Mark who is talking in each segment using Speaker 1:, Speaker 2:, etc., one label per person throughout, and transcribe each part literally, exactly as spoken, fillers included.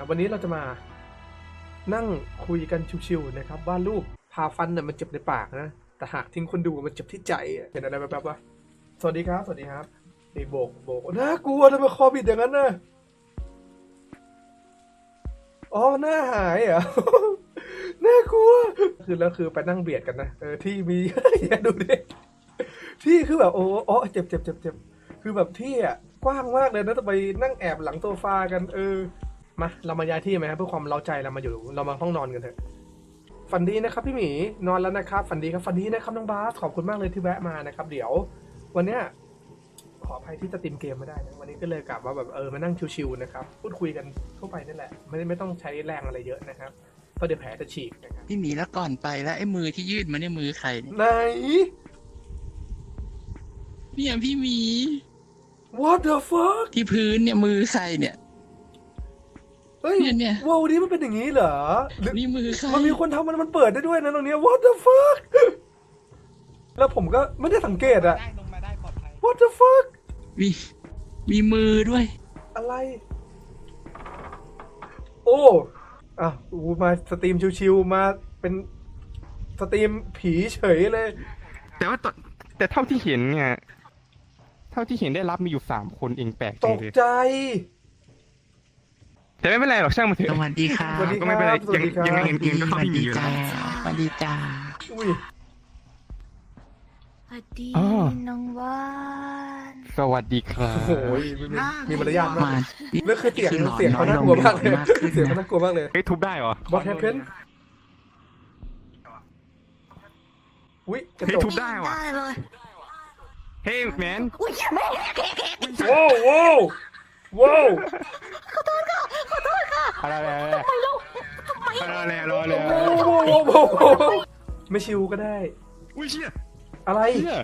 Speaker 1: วันนี้เราจะมานั่งคุยกันชิวๆนะครับว่ารูปพาฟันเนี่ยมันเจ็บในปากนะแต่หากทิ้งคนดูมันเจ็บที่ใจเห็นอะไรแบบๆวะสวัสดีครับสวัสดีครับนี่โบกโบกน่ากลัวทำไมคอบิดอย่างนั้นน่ะอ๋อหน้าหายเหรอ น่ากลัวคือแล้วคือไปนั่งเบียดกันนะเออที่มี อย่าดูดิที่คือแบบโอ้อ๋อเจ็บเจ็บเจ็บเจ็บคือแบบที่อ่ะกว้างมากเลยนะต้องไปนั่งแอบหลังโซฟากันเออมาเรามาย้ายที่ไหมครับเพื่อความเร้าใจเรามาอยู่เรามาห้องนอนกันเถอะฝันดีนะครับพี่หมีนอนแล้วนะครับฝันดีครับฝันดีนะครับน้องบาสขอบคุณมากเลยที่แวะมานะครับเดี๋ยววันเนี้ยขออภัยที่จะติมเกมไม่ได้นะวันนี้ก็เลยกลับว่าแบบเออมานั่งชิวๆนะครับพูดคุยกันทั่วไปนั่นแหละไม่ไม่ต้องใช้แรงอะไรเยอะนะครับเพราะเดี๋ยวแผลจะฉีกนะครับ
Speaker 2: พี่หมีแล้วก่อนไปแล้วไอ้มือที่ยืดมาเนี่ยมือใครเนี่ย
Speaker 1: ไหน
Speaker 2: เนี่ยพี่หมี
Speaker 1: What the fuck
Speaker 2: ที่พื้นเนี่ยมือใครเนี่ย
Speaker 1: เฮ้ย
Speaker 2: เนี่ยเนี่ย
Speaker 1: ว้าวนี้มันเป็นอย่างนี้เหรอหรือ
Speaker 2: นี่มือใคร
Speaker 1: มันมีคนทำมันมันเปิดได้ด้วยนะตรงเนี้ย What the fuck แล้วผมก็ไม่ได้สังเกตอะ
Speaker 3: ได้ลงมาได้ปลอดภัย
Speaker 1: What the fuck
Speaker 2: มีมีมือด้วย
Speaker 1: อะไร โอ้อ่ะอูมาสตรีมชิวๆมาเป็นสตรีมผีเฉยเลย
Speaker 4: แต่ว่าตอนแต่เท่าที่เห็นเนี่ย เท่าที่เห็นได้รับมีอยู่สามคนเองแปลก
Speaker 1: ต
Speaker 4: จัง
Speaker 1: ก
Speaker 4: เลย
Speaker 1: ใจ
Speaker 4: แต่ไม่เป็นไรหรอกช่างมันเถ
Speaker 2: ส
Speaker 4: อะ
Speaker 2: วัสดีค่ะ
Speaker 1: สวัสดี
Speaker 4: ก็ไม่เป็นไร
Speaker 1: สวัสดีครับ
Speaker 4: ยังไงเงินก็
Speaker 2: ส
Speaker 4: เข้า
Speaker 2: วัส
Speaker 4: ที่มี
Speaker 2: ดี
Speaker 4: อยู่
Speaker 2: จ้า
Speaker 4: แล้ว
Speaker 2: สวัสดีจ้า
Speaker 1: อุ้ย
Speaker 5: สวัสดี
Speaker 4: อ๋อ
Speaker 5: น้องว่าน
Speaker 4: สวัสดีครับ
Speaker 1: โอ้ยมีมีมีมารยาทมาก
Speaker 2: มา
Speaker 1: แล้วคือเสียง
Speaker 2: หลอน
Speaker 1: เสียงเขาน่ากลัวมากเลย
Speaker 2: น้อยลงมากขึ้น
Speaker 1: เสียงเขา
Speaker 2: นะ
Speaker 1: น่ากลัวมากเลย
Speaker 4: เฮ้ยทุบได้เหรอ
Speaker 1: What happened อุ้ยกระ
Speaker 4: เฮ้ย
Speaker 1: จก
Speaker 4: ทุบได้ว่ะ
Speaker 5: ได้เลย
Speaker 4: เฮ้ยแมน
Speaker 5: อุ้ยแม่
Speaker 1: ว้าวว้าวว้าว
Speaker 4: อะไรอะไรอะไรอะไรอะไรอะไร
Speaker 1: ว้าวว้าวว้าวไม่ชิวก็ได้
Speaker 4: อุ้ยเชี่ย
Speaker 1: อะไร
Speaker 4: เชี่ย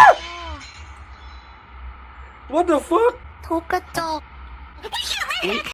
Speaker 1: What the fuck
Speaker 5: ทุบกระจก